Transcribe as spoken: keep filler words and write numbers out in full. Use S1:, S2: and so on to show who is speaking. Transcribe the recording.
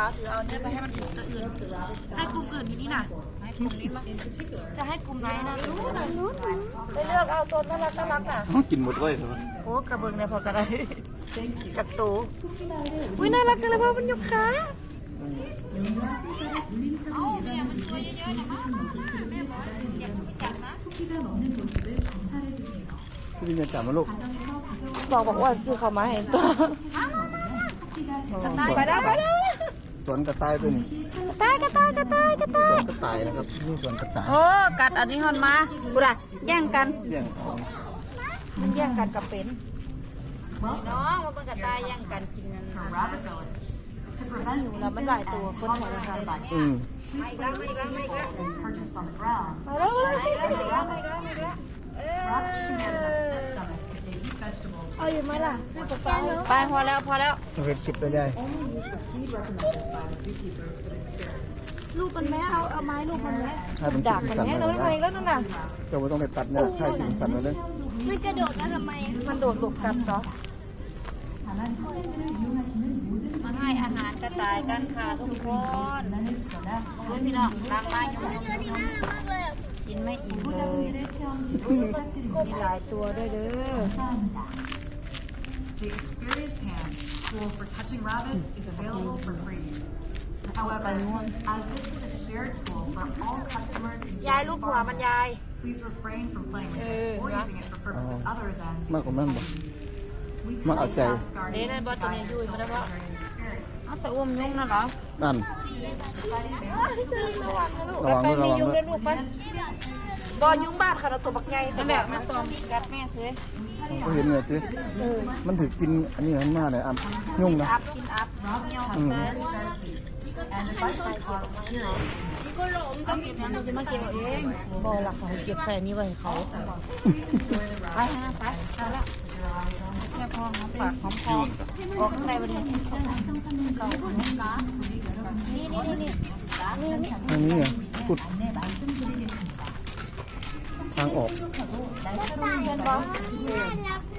S1: าวถือเอาเนี่ยไปให้มันถูกตัวอื่นให้กลุ่มอื่นทีนี้น่ะให้กลุ่มนี้มั้งจะให้กลุ่มไหนนะรู้นะรู้ไปเลือกเอาตัวน่ารักน่ารักน่ะ
S2: เขากินหมดเลยใช่ไหม
S1: โอ้กระเบื้องเนี่ยพอกระไรกับตูอุ้ยน่ารักจังเลยพ่อมันยกขาเอาเนี่ยมันตัวเยอะๆนะมั้งแม่บอกอยากไปจับนะ
S2: พี่จะจับมาลูก
S1: บอกบอกว่าซื้อเขามาเห็นตัวไปแล้วไปแล้ว
S2: สวนกระต่ายตัวนี้
S1: กระต่ายกระต่ายกระต่ายกระต่าย
S2: สวนกระต่ายนะครับนี่สวนกระต่าย
S1: โอ้กัดอันนี้ฮอนมาบุระแย่งกัน
S2: แย่งของ
S1: มันแย่งกันกับเป็นน้องมาเป็นกระต่ายแย่งกันสิ่งนั้นอยู่แล้วมันหลายตัวคนแถวทางบ้าน
S2: อืม
S1: ไม่แล้วไม่แล้วไม่แล้วมาแล้วมาแล้วไม่แล้วไม่แล้วไม่แล้วเอาอยู่ไหมล่ะไปพอแล้วพอแล้ว
S2: เห็ดคลิปได้ได้
S1: ลูกมันแม่เอาเอาไม้ลูกมันแม่
S2: ดัก
S1: มันแม่เราไม่ไปแล้วนั่นน่ะ
S2: เจ้าไม่ต้องไปตัดเนี่ยใครกินสัตว์เลย
S1: มันกระโดดแล้วทำไมมันโดดหลบกันเหรอมาให้อาหารกระต่ายกันค่ะทุกคนเพื่อนพี่น้องรักมากอยู่กินไม่อิ่มเลยมีหลายตัวด้วยเด้อ
S3: The Experience Hand tool for touching rabbits is available for free. However, as this is a shared tool for all customers in
S1: ยายรูปหัวมันยาย
S3: please refrain from playing with it or using it for purposes other than
S2: มากกว่านั้นบ่มาเอาใจ
S1: เด้นั่นบอตัวนี้ยุ่ยมาได้บ่เอาแต่อ้วมยุ่งนั่นเหรอ
S2: นั่น
S1: ระวังนะลูกไปมียุ่งด้วยลูกไปบอยุ่งบ้านค่ะเราตัวบักใหญ่นั่นแหละมันตอมกัดแม่ซื้อ
S2: ก็เห็นไงสิมันถือกินอันนี้มันมากเลยอ่ะยุ่งนะ
S1: อัพกินอัพเงี้ยวนี่ก็หลงต้องเก็บมันจะมาเก็บเองบอหลักเขาเก็บใส่นี่ไว้เขาไปฮะไปไปแล้วแค่พอหอมปากหอมคอออกข้างในวันนี้นี่นี่นี่นี่
S2: อันนี้เนี่ยขุดทางออก
S1: เป็นบอ